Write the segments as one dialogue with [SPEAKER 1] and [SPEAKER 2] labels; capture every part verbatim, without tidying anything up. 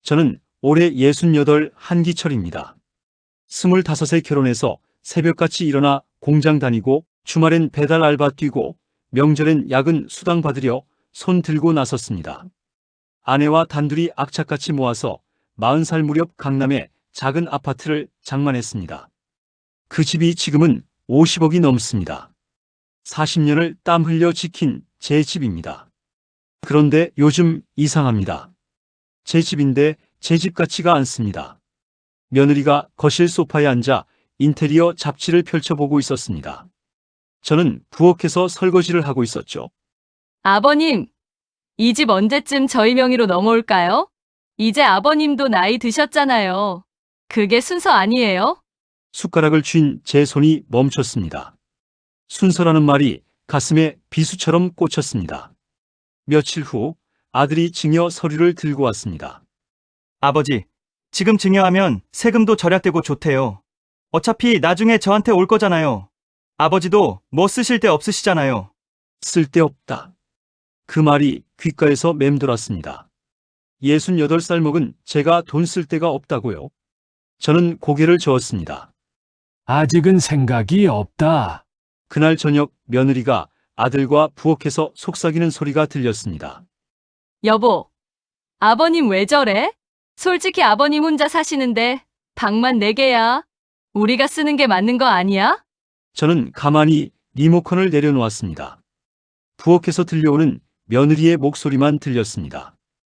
[SPEAKER 1] 저는 올해 예순여덟 한기철입니다. 스물다섯에 결혼해서 새벽같이 일어나 공장 다니고 주말엔 배달 알바 뛰고 명절엔 야근 수당 받으려 손 들고 나섰습니다. 아내와 단둘이 악착같이 모아서 마흔 살 무렵 강남에 작은 아파트를 장만했습니다. 그 집이 지금은 오십억이 넘습니다. 사십 년을 땀 흘려 지킨 제 집입니다. 그런데 요즘 이상합니다. 제 집인데 제 집 같지가 않습니다. 며느리가 거실 소파에 앉아 인테리어 잡지를 펼쳐보고 있었습니다. 저는 부엌에서 설거지를 하고 있었죠.
[SPEAKER 2] 아버님, 이 집 언제쯤 저희 명의로 넘어올까요? 이제 아버님도 나이 드셨잖아요. 그게 순서 아니에요?
[SPEAKER 1] 숟가락을 쥔 제 손이 멈췄습니다. 순서라는 말이 가슴에 비수처럼 꽂혔습니다. 며칠 후 아들이 증여 서류를 들고 왔습니다.
[SPEAKER 3] 아버지, 지금 증여하면 세금도 절약되고 좋대요. 어차피 나중에 저한테 올 거잖아요. 아버지도 뭐 쓰실 데 없으시잖아요.
[SPEAKER 1] 쓸데없다. 그 말이 귓가에서 맴돌았습니다. 예순여덟 살 먹은 제가 돈 쓸 데가 없다고요? 저는 고개를 저었습니다.
[SPEAKER 4] 아직은 생각이 없다.
[SPEAKER 1] 그날 저녁 며느리가 아들과 부엌에서 속삭이는 소리가 들렸습니다.
[SPEAKER 2] 여보, 아버님 왜 저래? 솔직히 아버님 혼자 사시는데 방만 네 개야. 우리가 쓰는 게 맞는 거 아니야?
[SPEAKER 1] 저는 가만히 리모컨을 내려놓았습니다. 부엌에서 들려오는 며느리의 목소리만 들렸습니다.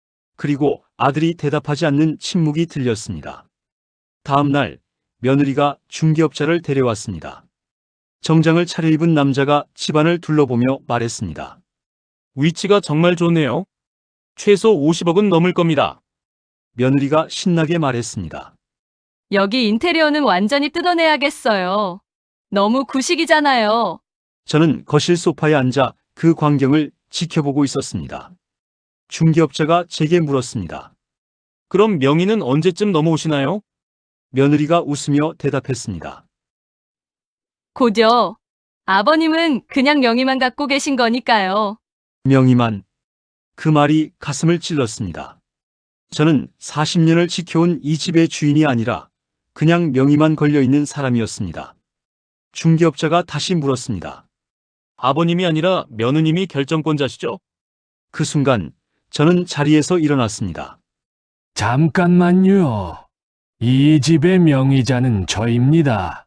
[SPEAKER 1] 그리고 아들이 대답하지 않는 침묵이 들렸습니다. 다음 날 며느리가 중개업자를 데려왔습니다. 정장을 차려입은 남자가 집안을 둘러보며 말했습니다.
[SPEAKER 5] 위치가 정말 좋네요. 최소 오십억은 넘을 겁니다.
[SPEAKER 1] 며느리가 신나게 말했습니다.
[SPEAKER 2] 여기 인테리어는 완전히 뜯어내야겠어요. 너무 구식이잖아요.
[SPEAKER 1] 저는 거실 소파에 앉아 그 광경을 지켜보고 있었습니다. 중개업자가 제게 물었습니다.
[SPEAKER 5] 그럼 명의는 언제쯤 넘어오시나요?
[SPEAKER 1] 며느리가 웃으며 대답했습니다.
[SPEAKER 2] 곧요. 아버님은 그냥 명의만 갖고 계신 거니까요.
[SPEAKER 1] 명의만. 그 말이 가슴을 찔렀습니다. 저는 사십 년을 지켜온 이 집의 주인이 아니라 그냥 명의만 걸려있는 사람이었습니다. 중개업자가 다시 물었습니다.
[SPEAKER 5] 아버님이 아니라 며느님이 결정권자시죠?
[SPEAKER 1] 그 순간 저는 자리에서 일어났습니다.
[SPEAKER 4] 잠깐만요. 이 집의 명의자는 저입니다.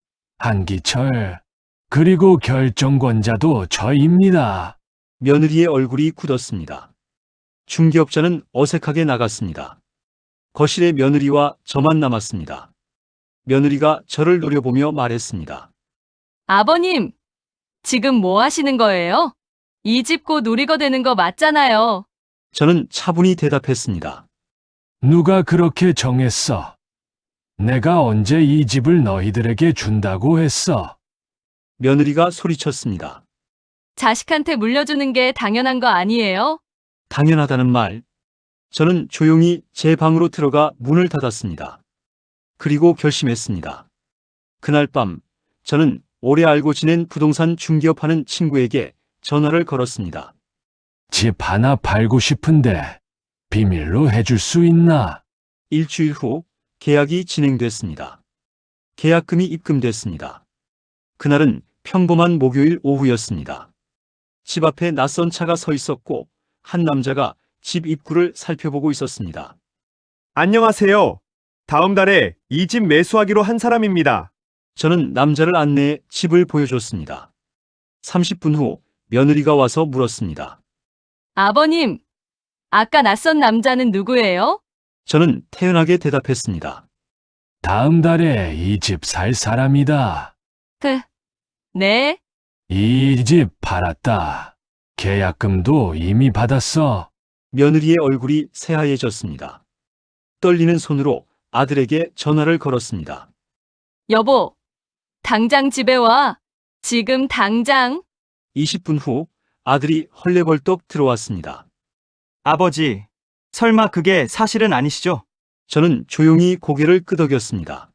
[SPEAKER 4] 한기철, 그리고 결정권자도 저입니다.
[SPEAKER 1] 며느리의 얼굴이 굳었습니다. 중개업자는 어색하게 나갔습니다. 거실에 며느리와 저만 남았습니다. 며느리가 저를 노려보며 말했습니다.
[SPEAKER 2] 아버님, 지금 뭐 하시는 거예요? 이 집 곧 우리 거 되는 거 맞잖아요.
[SPEAKER 1] 저는 차분히 대답했습니다.
[SPEAKER 4] 누가 그렇게 정했어? 내가 언제 이 집을 너희들에게 준다고 했어?
[SPEAKER 1] 며느리가 소리쳤습니다.
[SPEAKER 2] 자식한테 물려주는 게 당연한 거 아니에요?
[SPEAKER 1] 당연하다는 말. 저는 조용히 제 방으로 들어가 문을 닫았습니다. 그리고 결심했습니다. 그날 밤 저는 오래 알고 지낸 부동산 중개업하는 친구에게 전화를 걸었습니다.
[SPEAKER 4] 집 하나 팔고 싶은데 비밀로 해줄 수 있나?
[SPEAKER 1] 일주일 후 계약이 진행됐습니다. 계약금이 입금됐습니다. 그날은 평범한 목요일 오후였습니다. 집 앞에 낯선 차가 서 있었고 한 남자가 집 입구를 살펴보고 있었습니다.
[SPEAKER 6] 안녕하세요. 다음 달에 이 집 매수하기로 한 사람입니다.
[SPEAKER 1] 저는 남자를 안내해 집을 보여줬습니다. 삼십 분 후 며느리가 와서 물었습니다.
[SPEAKER 2] 아버님, 아까 낯선 남자는 누구예요?
[SPEAKER 1] 저는 태연하게 대답했습니다.
[SPEAKER 4] 다음 달에 이 집 살 사람이다.
[SPEAKER 2] 그, 네?
[SPEAKER 4] 이 집 팔았다. 계약금도 이미 받았어.
[SPEAKER 1] 며느리의 얼굴이 새하얘졌습니다. 떨리는 손으로 아들에게 전화를 걸었습니다.
[SPEAKER 2] 여보, 당장 집에 와. 지금 당장.
[SPEAKER 1] 이십 분 후 아들이 헐레벌떡 들어왔습니다.
[SPEAKER 3] 아버지, 설마 그게 사실은 아니시죠?
[SPEAKER 1] 저는 조용히 고개를 끄덕였습니다.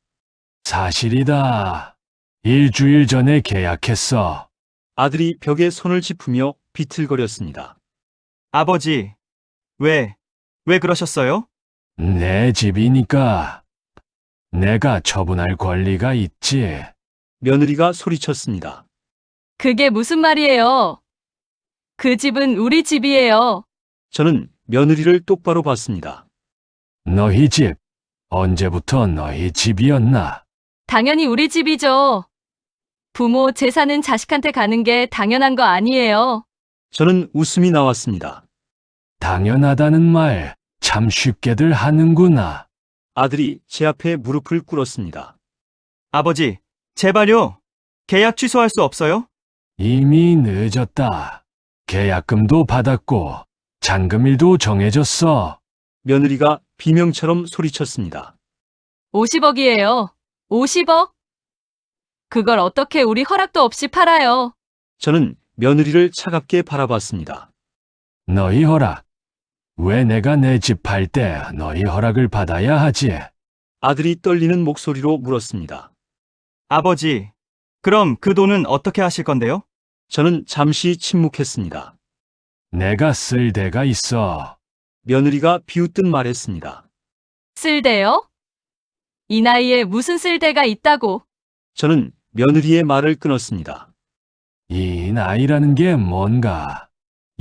[SPEAKER 4] 사실이다. 일주일 전에 계약했어.
[SPEAKER 1] 아들이 벽에 손을 짚으며 비틀거렸습니다.
[SPEAKER 3] 아버지, 왜, 왜 그러셨어요?
[SPEAKER 4] 내 집이니까 내가 처분할 권리가 있지.
[SPEAKER 1] 며느리가 소리쳤습니다.
[SPEAKER 2] 그게 무슨 말이에요? 그 집은 우리 집이에요.
[SPEAKER 1] 저는 며느리를 똑바로 봤습니다.
[SPEAKER 4] 너희 집, 언제부터 너희 집이었나?
[SPEAKER 2] 당연히 우리 집이죠. 부모 재산은 자식한테 가는 게 당연한 거 아니에요.
[SPEAKER 1] 저는 웃음이 나왔습니다.
[SPEAKER 4] 당연하다는 말 참 쉽게들 하는구나.
[SPEAKER 1] 아들이 제 앞에 무릎을 꿇었습니다.
[SPEAKER 3] 아버지, 제발요. 계약 취소할 수 없어요?
[SPEAKER 4] 이미 늦었다. 계약금도 받았고 잔금일도 정해졌어.
[SPEAKER 1] 며느리가 비명처럼 소리쳤습니다.
[SPEAKER 2] 오십억이에요. 오십억? 그걸 어떻게 우리 허락도 없이 팔아요?
[SPEAKER 1] 저는 며느리를 차갑게 바라봤습니다.
[SPEAKER 4] 너희 허락. 왜 내가 내 집 팔 때 너희 허락을 받아야 하지?
[SPEAKER 1] 아들이 떨리는 목소리로 물었습니다.
[SPEAKER 3] 아버지, 그럼 그 돈은 어떻게 하실 건데요?
[SPEAKER 1] 저는 잠시 침묵했습니다.
[SPEAKER 4] 내가 쓸 데가 있어.
[SPEAKER 1] 며느리가 비웃듯 말했습니다.
[SPEAKER 2] 쓸데요? 이 나이에 무슨 쓸데가 있다고?
[SPEAKER 1] 저는 며느리의 말을 끊었습니다.
[SPEAKER 4] 이 나이라는 게 뭔가?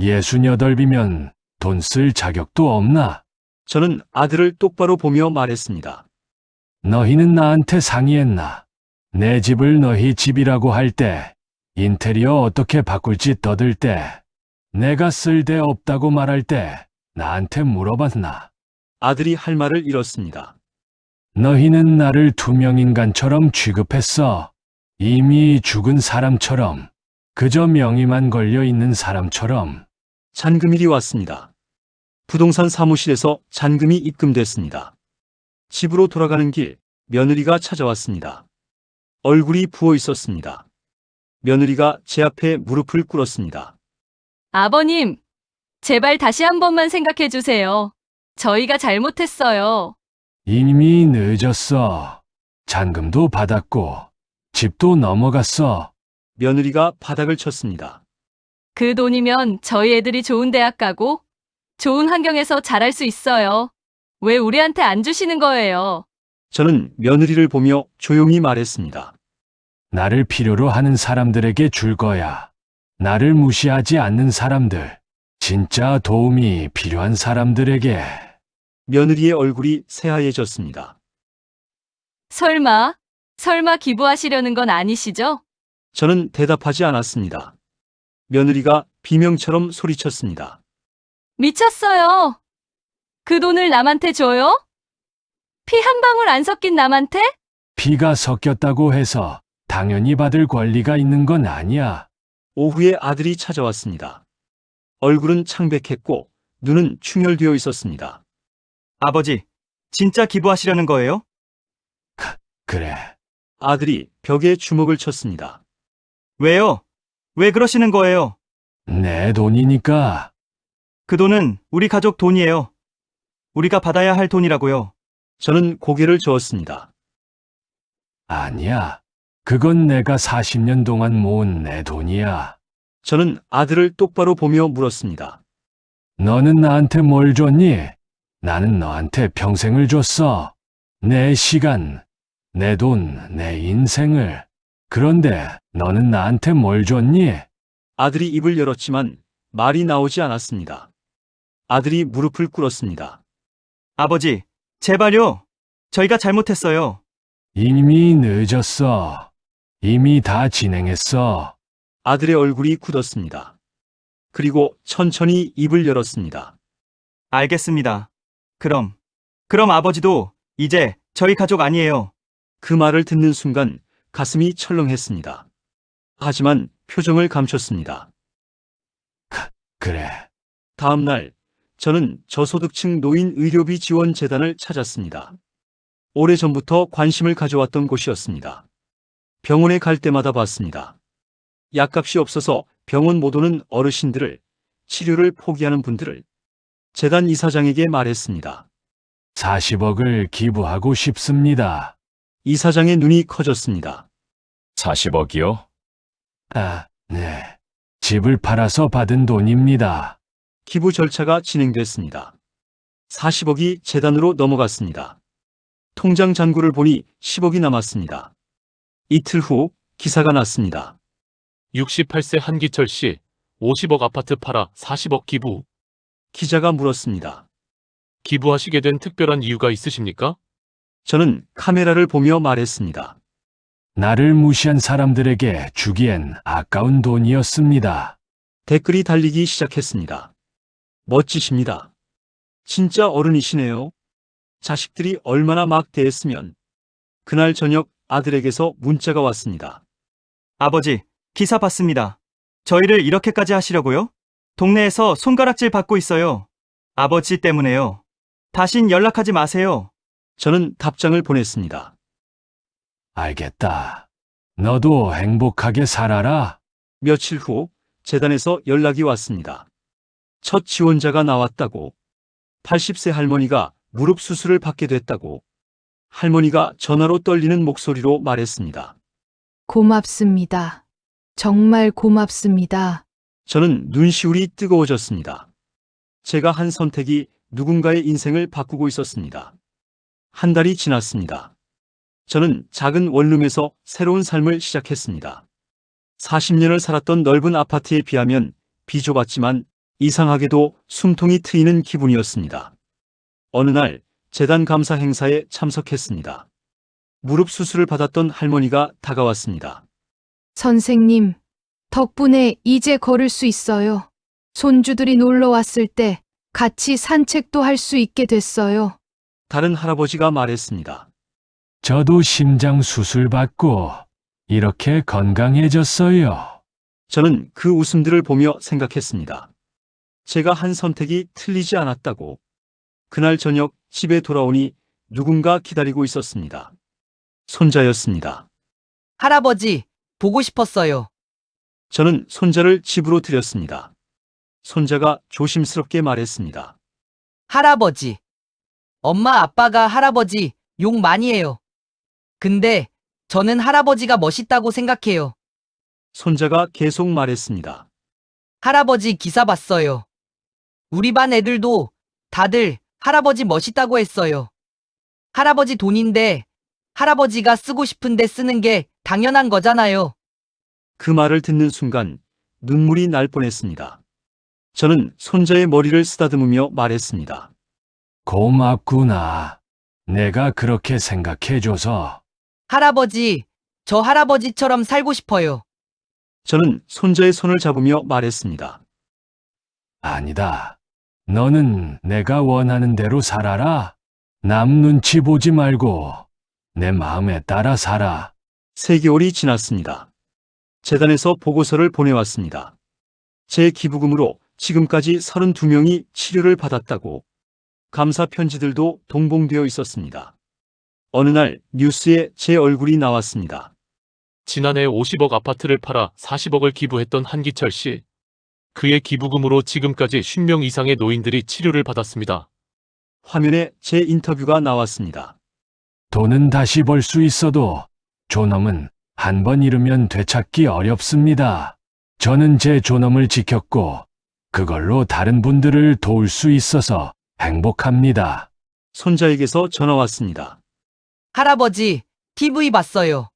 [SPEAKER 4] 예순여덟이면 돈 쓸 자격도 없나?
[SPEAKER 1] 저는 아들을 똑바로 보며 말했습니다.
[SPEAKER 4] 너희는 나한테 상의했나? 내 집을 너희 집이라고 할 때, 인테리어 어떻게 바꿀지 떠들 때, 내가 쓸 데 없다고 말할 때, 나한테 물어봤나?
[SPEAKER 1] 아들이 할 말을 잃었습니다.
[SPEAKER 4] 너희는 나를 투명인간처럼 취급했어. 이미 죽은 사람처럼, 그저 명의만 걸려 있는 사람처럼.
[SPEAKER 1] 잔금일이 왔습니다. 부동산 사무실에서 잔금이 입금됐습니다. 집으로 돌아가는 길, 며느리가 찾아왔습니다. 얼굴이 부어 있었습니다. 며느리가 제 앞에 무릎을 꿇었습니다.
[SPEAKER 2] 아버님, 제발 다시 한 번만 생각해 주세요. 저희가 잘못했어요.
[SPEAKER 4] 이미 늦었어. 잔금도 받았고, 집도 넘어갔어.
[SPEAKER 1] 며느리가 바닥을 쳤습니다.
[SPEAKER 2] 그 돈이면 저희 애들이 좋은 대학 가고 좋은 환경에서 자랄 수 있어요. 왜 우리한테 안 주시는 거예요?
[SPEAKER 1] 저는 며느리를 보며 조용히 말했습니다.
[SPEAKER 4] 나를 필요로 하는 사람들에게 줄 거야. 나를 무시하지 않는 사람들, 진짜 도움이 필요한 사람들에게.
[SPEAKER 1] 며느리의 얼굴이 새하얘졌습니다.
[SPEAKER 2] 설마, 설마 기부하시려는 건 아니시죠?
[SPEAKER 1] 저는 대답하지 않았습니다. 며느리가 비명처럼 소리쳤습니다.
[SPEAKER 2] 미쳤어요. 그 돈을 남한테 줘요? 피 한 방울 안 섞인 남한테?
[SPEAKER 4] 피가 섞였다고 해서 당연히 받을 권리가 있는 건 아니야.
[SPEAKER 1] 오후에 아들이 찾아왔습니다. 얼굴은 창백했고 눈은 충혈되어 있었습니다.
[SPEAKER 3] 아버지, 진짜 기부하시려는 거예요?
[SPEAKER 4] 그래.
[SPEAKER 1] 아들이 벽에 주먹을 쳤습니다.
[SPEAKER 3] 왜요? 왜 그러시는 거예요?
[SPEAKER 4] 내 돈이니까.
[SPEAKER 3] 그 돈은 우리 가족 돈이에요. 우리가 받아야 할 돈이라고요.
[SPEAKER 1] 저는 고개를 저었습니다.
[SPEAKER 4] 아니야. 그건 내가 사십 년 동안 모은 내 돈이야.
[SPEAKER 1] 저는 아들을 똑바로 보며 물었습니다.
[SPEAKER 4] 너는 나한테 뭘 줬니? 나는 너한테 평생을 줬어. 내 시간, 내 돈, 내 인생을. 그런데 너는 나한테 뭘 줬니?
[SPEAKER 1] 아들이 입을 열었지만 말이 나오지 않았습니다. 아들이 무릎을 꿇었습니다.
[SPEAKER 3] 아버지, 제발요. 저희가 잘못했어요.
[SPEAKER 4] 이미 늦었어. 이미 다 진행했어.
[SPEAKER 1] 아들의 얼굴이 굳었습니다. 그리고 천천히 입을 열었습니다.
[SPEAKER 3] 알겠습니다. 그럼, 그럼 아버지도 이제 저희 가족 아니에요.
[SPEAKER 1] 그 말을 듣는 순간 가슴이 철렁했습니다. 하지만 표정을 감췄습니다.
[SPEAKER 4] 그래.
[SPEAKER 1] 다음 날 저는 저소득층 노인 의료비 지원 재단을 찾았습니다. 오래전부터 관심을 가져왔던 곳이었습니다. 병원에 갈 때마다 봤습니다. 약값이 없어서 병원 못 오는 어르신들을, 치료를 포기하는 분들을 재단 이사장에게 말했습니다.
[SPEAKER 4] 사십억을 기부하고 싶습니다.
[SPEAKER 1] 이사장의 눈이 커졌습니다.
[SPEAKER 7] 사십억이요?
[SPEAKER 4] 아, 네. 집을 팔아서 받은 돈입니다.
[SPEAKER 1] 기부 절차가 진행됐습니다. 사십억이 재단으로 넘어갔습니다. 통장 잔고를 보니 십억이 남았습니다. 이틀 후 기사가 났습니다.
[SPEAKER 5] 육십팔 세 한기철 씨, 오십억 아파트 팔아 사십억 기부.
[SPEAKER 1] 기자가 물었습니다.
[SPEAKER 5] 기부하시게 된 특별한 이유가 있으십니까?
[SPEAKER 1] 저는 카메라를 보며 말했습니다.
[SPEAKER 4] 나를 무시한 사람들에게 주기엔 아까운 돈이었습니다.
[SPEAKER 1] 댓글이 달리기 시작했습니다. 멋지십니다. 진짜 어른이시네요. 자식들이 얼마나 막대했으면. 그날 저녁 아들에게서 문자가 왔습니다.
[SPEAKER 3] 아버지, 기사 봤습니다. 저희를 이렇게까지 하시려고요? 동네에서 손가락질 받고 있어요. 아버지 때문에요. 다신 연락하지 마세요.
[SPEAKER 1] 저는 답장을 보냈습니다.
[SPEAKER 4] 알겠다. 너도 행복하게 살아라.
[SPEAKER 1] 며칠 후 재단에서 연락이 왔습니다. 첫 지원자가 나왔다고. 팔십 세 할머니가 무릎 수술을 받게 됐다고. 할머니가 전화로 떨리는 목소리로 말했습니다.
[SPEAKER 8] 고맙습니다. 정말 고맙습니다.
[SPEAKER 1] 저는 눈시울이 뜨거워졌습니다. 제가 한 선택이 누군가의 인생을 바꾸고 있었습니다. 한 달이 지났습니다. 저는 작은 원룸에서 새로운 삶을 시작했습니다. 사십 년을 살았던 넓은 아파트에 비하면 비좁았지만 이상하게도 숨통이 트이는 기분이었습니다. 어느 날 재단 감사 행사에 참석했습니다. 무릎 수술을 받았던 할머니가 다가왔습니다.
[SPEAKER 8] 선생님, 덕분에 이제 걸을 수 있어요. 손주들이 놀러 왔을 때 같이 산책도 할 수 있게 됐어요.
[SPEAKER 1] 다른 할아버지가 말했습니다.
[SPEAKER 4] 저도 심장 수술 받고 이렇게 건강해졌어요.
[SPEAKER 1] 저는 그 웃음들을 보며 생각했습니다. 제가 한 선택이 틀리지 않았다고. 그날 저녁 집에 돌아오니 누군가 기다리고 있었습니다. 손자였습니다.
[SPEAKER 9] 할아버지, 보고 싶었어요.
[SPEAKER 1] 저는 손자를 집으로 들였습니다. 손자가 조심스럽게 말했습니다.
[SPEAKER 9] 할아버지. 엄마 아빠가 할아버지 욕 많이 해요. 근데 저는 할아버지가 멋있다고 생각해요.
[SPEAKER 1] 손자가 계속 말했습니다.
[SPEAKER 9] 할아버지 기사 봤어요. 우리 반 애들도 다들 할아버지 멋있다고 했어요. 할아버지 돈인데 할아버지가 쓰고 싶은데 쓰는 게 당연한 거잖아요.
[SPEAKER 1] 그 말을 듣는 순간 눈물이 날 뻔했습니다. 저는 손자의 머리를 쓰다듬으며 말했습니다.
[SPEAKER 4] 고맙구나. 내가 그렇게 생각해줘서.
[SPEAKER 9] 할아버지, 저 할아버지처럼 살고 싶어요.
[SPEAKER 1] 저는 손자의 손을 잡으며 말했습니다.
[SPEAKER 4] 아니다. 너는 내가 원하는 대로 살아라. 남 눈치 보지 말고 내 마음에 따라 살아.
[SPEAKER 1] 세 개월이 지났습니다. 재단에서 보고서를 보내왔습니다. 제 기부금으로 지금까지 서른두 명이 치료를 받았다고. 감사 편지들도 동봉되어 있었습니다. 어느 날 뉴스에 제 얼굴이 나왔습니다.
[SPEAKER 5] 지난해 오십억 아파트를 팔아 사십억을 기부했던 한기철 씨. 그의 기부금으로 지금까지 오십 명 이상의 노인들이 치료를 받았습니다.
[SPEAKER 1] 화면에 제 인터뷰가 나왔습니다.
[SPEAKER 4] 돈은 다시 벌 수 있어도 존엄은 한 번 잃으면 되찾기 어렵습니다. 저는 제 존엄을 지켰고 그걸로 다른 분들을 도울 수 있어서 행복합니다.
[SPEAKER 1] 손자에게서 전화 왔습니다.
[SPEAKER 9] 할아버지, 티비 봤어요.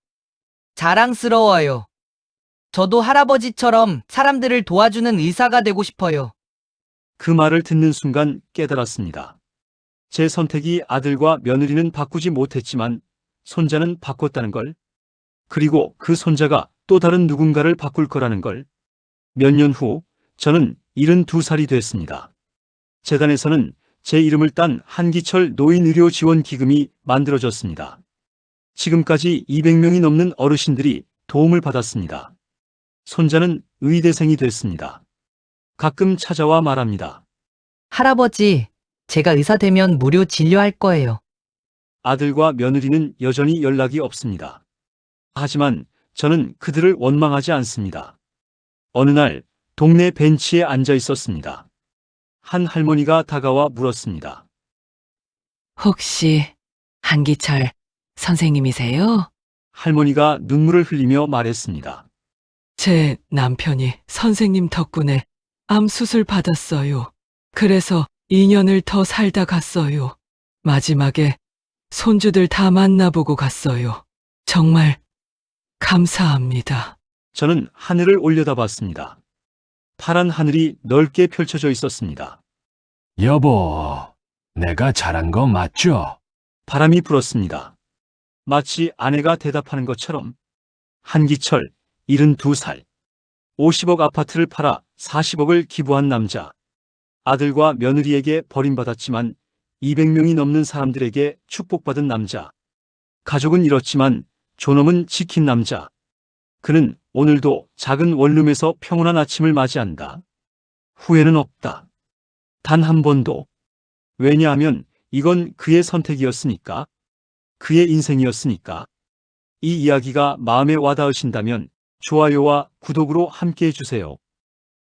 [SPEAKER 9] 자랑스러워요. 저도 할아버지처럼 사람들을 도와주는 의사가 되고 싶어요.
[SPEAKER 1] 그 말을 듣는 순간 깨달았습니다. 제 선택이 아들과 며느리는 바꾸지 못했지만 손자는 바꿨다는 걸. 그리고 그 손자가 또 다른 누군가를 바꿀 거라는 걸. 몇 년 후 저는 일흔두 살이 됐습니다. 재단에서는 제 이름을 딴 한기철 노인의료지원기금이 만들어졌습니다. 지금까지 이백 명이 넘는 어르신들이 도움을 받았습니다. 손자는 의대생이 됐습니다. 가끔 찾아와 말합니다.
[SPEAKER 9] 할아버지, 제가 의사 되면 무료 진료할 거예요.
[SPEAKER 1] 아들과 며느리는 여전히 연락이 없습니다. 하지만 저는 그들을 원망하지 않습니다. 어느 날 동네 벤치에 앉아 있었습니다. 한 할머니가 다가와 물었습니다.
[SPEAKER 10] 혹시 한기철 선생님이세요?
[SPEAKER 1] 할머니가 눈물을 흘리며 말했습니다.
[SPEAKER 10] 제 남편이 선생님 덕분에 암 수술 받았어요. 그래서 이 년을 더 살다 갔어요. 마지막에 손주들 다 만나보고 갔어요. 정말 감사합니다.
[SPEAKER 1] 저는 하늘을 올려다봤습니다. 파란 하늘이 넓게 펼쳐져 있었습니다.
[SPEAKER 4] 여보, 내가 잘한 거 맞죠?
[SPEAKER 1] 바람이 불었습니다. 마치 아내가 대답하는 것처럼. 한기철, 일흔두 살. 오십억 아파트를 팔아 사십억을 기부한 남자. 아들과 며느리에게 버림받았지만 이백 명이 넘는 사람들에게 축복받은 남자. 가족은 잃었지만 존엄은 지킨 남자. 그는 오늘도 작은 원룸에서 평온한 아침을 맞이한다. 후회는 없다. 단 한 번도. 왜냐하면 이건 그의 선택이었으니까. 그의 인생이었으니까. 이 이야기가 마음에 와닿으신다면 좋아요와 구독으로 함께 해주세요.